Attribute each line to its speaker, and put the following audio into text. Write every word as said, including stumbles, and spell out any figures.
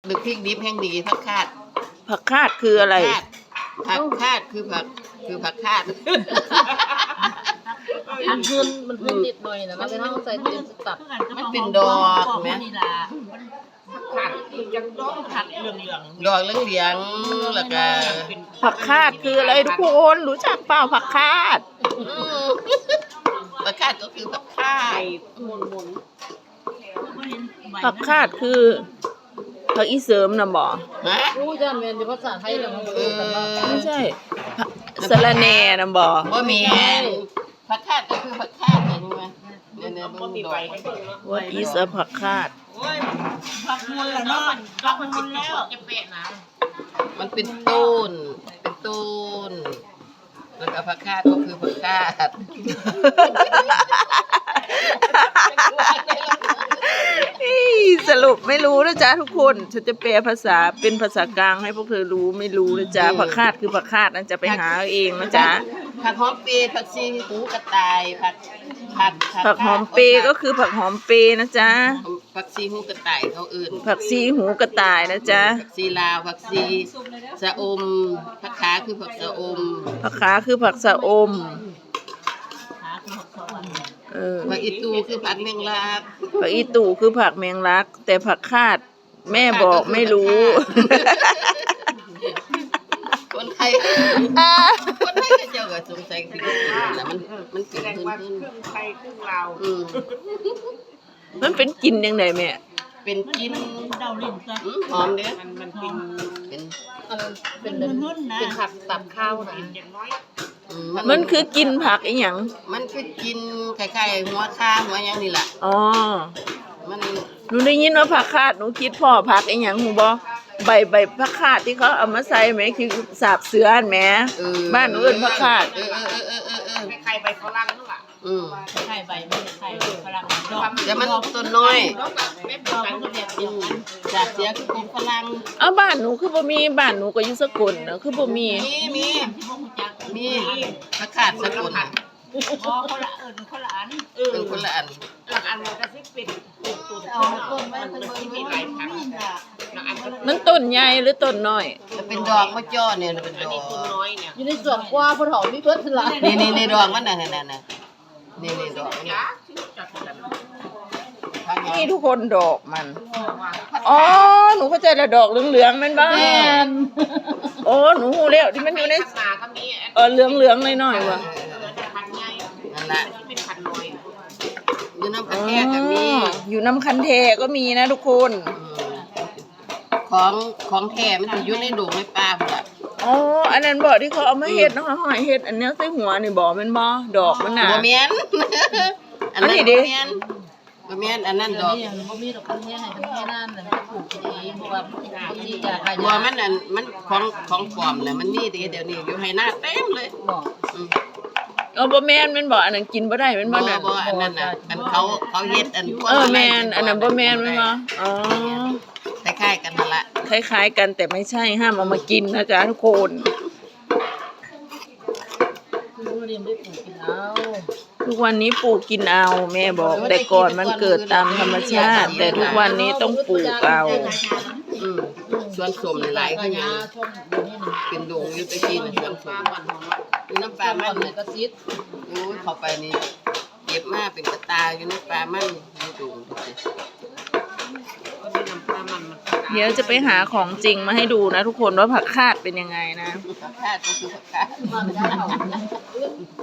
Speaker 1: หรือพริกดิบแห้งดีผักคาด
Speaker 2: ผักคาดคืออะไร
Speaker 1: ผักคาดคือผักคือผักคาด
Speaker 3: มันพื้นมันพื้นนิดหน่อยนะมันเป็นห้องใส่เต็มสตับ
Speaker 1: มันเป็นดอกไหม
Speaker 3: ผักจังดอกผักเหลืองเหลือง
Speaker 1: ดอกเหลืองๆแล้วก็
Speaker 2: ผักคาดคืออะไรทุกคนรู้จักเปล่าผักคาด
Speaker 1: ผักคาดก็คือผักคาด
Speaker 3: หมุนหมุน
Speaker 2: ผักคาดคือผักอีเสริมนะบ่
Speaker 1: ฮะ
Speaker 3: รู้จักเรียนภาษาไทยแล้วมันเออ
Speaker 2: ไม่ใช่สะระแหน่นะบ่
Speaker 1: บ่มีผักคาดก็คือผักคาดเห็นไหมเนี่ยเนี่ยมันดอก
Speaker 2: What is a ผักคาด
Speaker 3: ผักมุนแล้วเนาะผักมุนแล้วจะเปะนะ
Speaker 1: มันเป็นต้นเป็นต้นแล้วก็ผักคาดก็คือผักคาด
Speaker 2: สรุปไม่รู้นะจ๊ะทุกคนฉันจะแปลภาษาเป็นภาษากลางให้พวกเธอรู้ไม่รู้นะจ๊ะผักคาดคือผักคาดนะจะไปหาเอาเองนะจ๊ะ
Speaker 1: ผักหอมเปรย์ผักชีหูกระต่ายผักผัก
Speaker 2: ผักหอมเปรย์ก็คือผักหอมเปรย์นะจ๊ะ
Speaker 1: ผักชีหูกระต่ายเขาอื่น
Speaker 2: ผักชีหูกระต่ายนะจ๊ะ
Speaker 1: ผักชีลาวผักชีสะอมผักขาคือผักสะอม
Speaker 2: ผักขาคือผักสะอมเออ
Speaker 1: ผักอีตูคือผักแมงลัก
Speaker 2: ผักอีตู่คือผักแมงลักแต่ผักคาดแม่บอกไม่รู้
Speaker 1: คนไทยคนไทยก็เจ้าก็สงสัยสิแล้วมันมันกินขึ้นขึ้น
Speaker 3: ไทยครึ่งลาว
Speaker 2: มันเป็นกินยังไงแม่
Speaker 1: เป็นกิน
Speaker 3: เดาลิ้นจ้ะ
Speaker 1: หอมเด้อ
Speaker 3: มันมันเป็น
Speaker 1: เป็น
Speaker 3: เป็นเป็นผักตับข้าวนะ
Speaker 2: มันคือกินผักอีหยัง
Speaker 1: มันคือกินคล้ายๆหัวข้าหัวหยังนี่แหละ
Speaker 2: อ๋อ
Speaker 1: มัน
Speaker 2: หนูได้ยินว่าผักคาดหนูคิดพ่อผักอีหยังหูบ่ใบใบผักคาดที่เขาเอามาใส่แหมคือสาบเสือแหมบ้านหนูเอิ้นผักคาด
Speaker 1: เออเออเออเออเออ
Speaker 3: คล้ายๆใบฝรั่งนั่นแหละ
Speaker 1: อืม
Speaker 3: คล้ายใบไม่คล้ายฝรั่ง
Speaker 1: แต่มันต้นน้อย
Speaker 3: ไม่เป็นการก็แบบเดียวกัน
Speaker 1: สาบเสือคือกลุ่มฝรั่ง
Speaker 2: เอาบ้านหนูคือบ่มีบ้านหนูก็อยู่สกลนะคือบ่มี
Speaker 1: มีมีมีผักคาดสกล
Speaker 3: อ๋อคนละเอิญคนละอัน
Speaker 1: เออคนละอัน
Speaker 3: ละอันมันก็สิเป็นต้นต้นมันที่มีหลายพัน
Speaker 2: มันต้นใหญ่หรือต้นน้อย
Speaker 1: เป็นดอกมะจ้อเนี่ยเป็นดอก
Speaker 3: ต้นน้อยเนี่ยอยู่ในสวนกว่าพ่อถอมีเพิ่นละ
Speaker 1: นี่นี่นี่ดอกมันน่ะนั่นน่ะนี่นี่ดอก
Speaker 2: นี่ทุกคนดอกมันอ๋อหนูเข้าใจแล้วดอกเหลืองๆมันบ้างโอ้หนูฮู้แล้วที่มันอยู่ในเออเหลืองๆหน่อยๆว่ะ
Speaker 1: นั่นแหละเป็นพันน้อยอยู่น้ำคันแท้ก็มี
Speaker 2: อยู่น้ำคันแทก็มีนะทุกคน
Speaker 1: ของของแท้มันจะอยู่ในดงในป่าพุ่นล่ะ
Speaker 2: อ๋ออันนั้นบ่ที่เขาเอามาเฮ็ดเนาะหอยเฮ็ดอันนี้ใส่หัวนี่บ่แม่นบ่ดอกมันน่ะ
Speaker 1: บ่แม่นอันนั้นบ่แม่นบ่แม่นอันนั้นดอก
Speaker 3: บ่มีดอกคันแท้ให้คันแท้นั่นน่ะปลูกเองเพราะว่ามันสิอยากให้
Speaker 1: บ่มันอันมันของของปลอมน่ะมันมีเดี๋ยวนี้อยู่ให้หน้าเต็มเลย
Speaker 3: บ่
Speaker 1: อือ
Speaker 2: เออบ่แม่นแม่นบ่อันนั้นกินบ่ได้แม่นบ่น่ะ
Speaker 1: บ่อันนั้นน่ะอันเขาเขาเฮ็ดอัน
Speaker 2: เออแม่นอันนั้นบ่แม่นแม่นบ่อ๋อ
Speaker 1: คล้ายๆกันนั่นล่ะ
Speaker 2: คล้ายๆกันแต่ไม่ใช่ห้ามเอามากินนะจ๊ะทุกคนทุกวันนี้ปลูกกินเอาแม่บอกแต่ก่อนมันเกิดตามธรรมชาติแต่ทุกวันนี้ต้องปลูกเอา
Speaker 1: อืมสวนส้มหลายๆคือหยังเป็นดงอยู่ตะกี้น่ะสวนส้มอยู่น้ำปลามันน่ะก็ซิดโอ้ยเข้าไปนี่เก็บมาเป็นกระตาอยู่ในปลามันอยู่ดง
Speaker 2: เดี๋ยวจะไปหาของจริงมาให้ดูนะทุกคนว่าผักคาดเป็นยังไงนะ
Speaker 1: ผักคาดก็คือผักคาด